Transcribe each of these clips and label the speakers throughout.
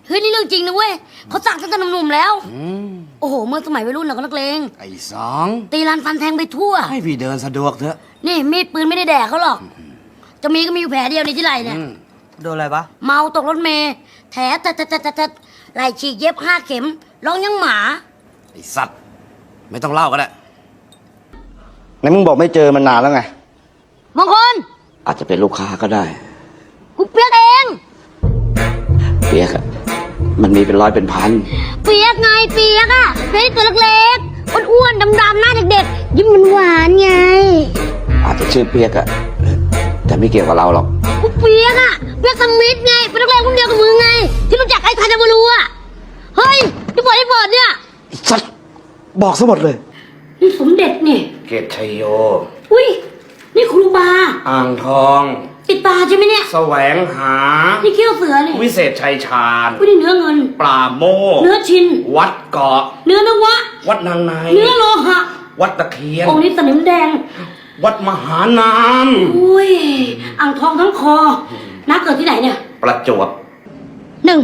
Speaker 1: เฮ้ยนี่เรื่องจริงนะเว้ยเขาสั่งตั้งแต่หนุ่มๆแล้วโอ้โหเมื่อสมัยวัยรุ่นเราก็นักเลง
Speaker 2: ไอ้สอง
Speaker 1: ตีรันฟันแทงไปทั่ว
Speaker 2: ให้พี่เดินสะดวกเถอะ
Speaker 1: นี่มีดปืนไม่ได้แดกเขาหรอกจะมีก็มีอยู่แผลเดียวในที่ไหล่เนี่ย
Speaker 3: โดนอะไรปะ
Speaker 1: เมาตกรถเมล์แถแต่ไหล่ฉีกเย็บ5 เข็มร้องยังหมา
Speaker 2: ไอ้สัตว์ไม่ต้องเล่าก็ได้
Speaker 4: ไหนมึงบอกไม่เจอมันนานแล้วไง
Speaker 1: มงคล
Speaker 2: อาจจะเป็นลูกค้าก็ได้
Speaker 1: กูเปียกเอง
Speaker 2: เปียกอะมันมีเป็นร้อยเป็นพัน
Speaker 1: เปียกไงเปียกอะเปียกตัวเล็กๆอ้วนๆดำๆหน้าเด็กๆยิ้มหวานๆไง
Speaker 2: อาจจะชื่อเปียกอะแต่ไม่เกี่ยวกับเราหรอก
Speaker 1: กูเปียกอะเปียกสมิธไงเป็นนักเลงคนเดียวกับมึงไงที่รู้จักไอ้ทาจามารูอะเฮ้ยที่บอกไอ้เบิร์ดเนี่ย
Speaker 4: ไอ้สัตว์บอกซะหมดเลย
Speaker 1: นี่สมเด็จนี่
Speaker 2: เกตชัยโย
Speaker 1: อุ้ยนี่ครูบา
Speaker 2: อ่างทอง
Speaker 1: ติดตาใช่ไหมเนี่ย
Speaker 2: แสวงหา
Speaker 1: นี่เขี้ยวเสือเนี่ย
Speaker 2: วิเศษชัยชาญ
Speaker 1: อุ้ยนี่เนื้อเงิน
Speaker 2: ปราโมท
Speaker 1: เนื้อชิน
Speaker 2: วัดเกาะ
Speaker 1: เนื้อนวะ
Speaker 2: วัดนางใน
Speaker 1: เนื้อโลหะ
Speaker 2: วัดตะเคียน
Speaker 1: องค์นี้สนิมแดง
Speaker 2: วัดมหานาม
Speaker 1: อุ้ยอ่างทองทั้งคอน้าเกิดที่ไหนเนี่ย
Speaker 2: ประจวบ
Speaker 1: 1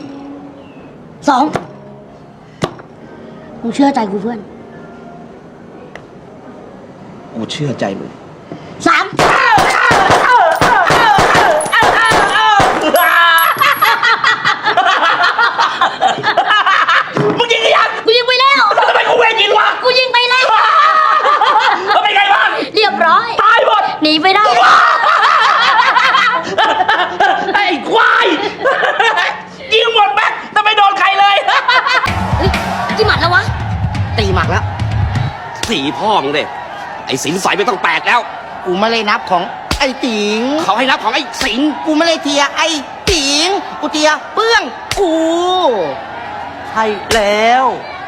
Speaker 1: 2มึงเชื่อใจกูเพื่อน
Speaker 4: กูเชื่อใจมึง
Speaker 1: 3
Speaker 2: มึงยิงยัง
Speaker 1: กูยิงไปแล้ว
Speaker 2: ทำไมกูเวรยิงวะ
Speaker 1: กูยิงไปแล้ว
Speaker 2: แล้วเป็นไงบ้าง
Speaker 1: เรียบร้อย
Speaker 2: ตายหมด
Speaker 1: หนีไปได้
Speaker 2: ไอ้ควายยิงหมดแม็กแต่ไม่โดนใครเลย
Speaker 1: เฮ้ยกี่หมัดแล้ววะ
Speaker 3: ตีหมักแล้ว
Speaker 2: สีพ่อมึงเด็ไอ้สินใสไม่ต้องแปลกแล้ว
Speaker 3: กูไม่เลยนับของไอ้ติ๋ง
Speaker 2: เขาให้รับของไอ้สิง
Speaker 3: กูไม่เลยเทียไอ้ติ๋งกูเทียเปื้องกูใช่แล้ว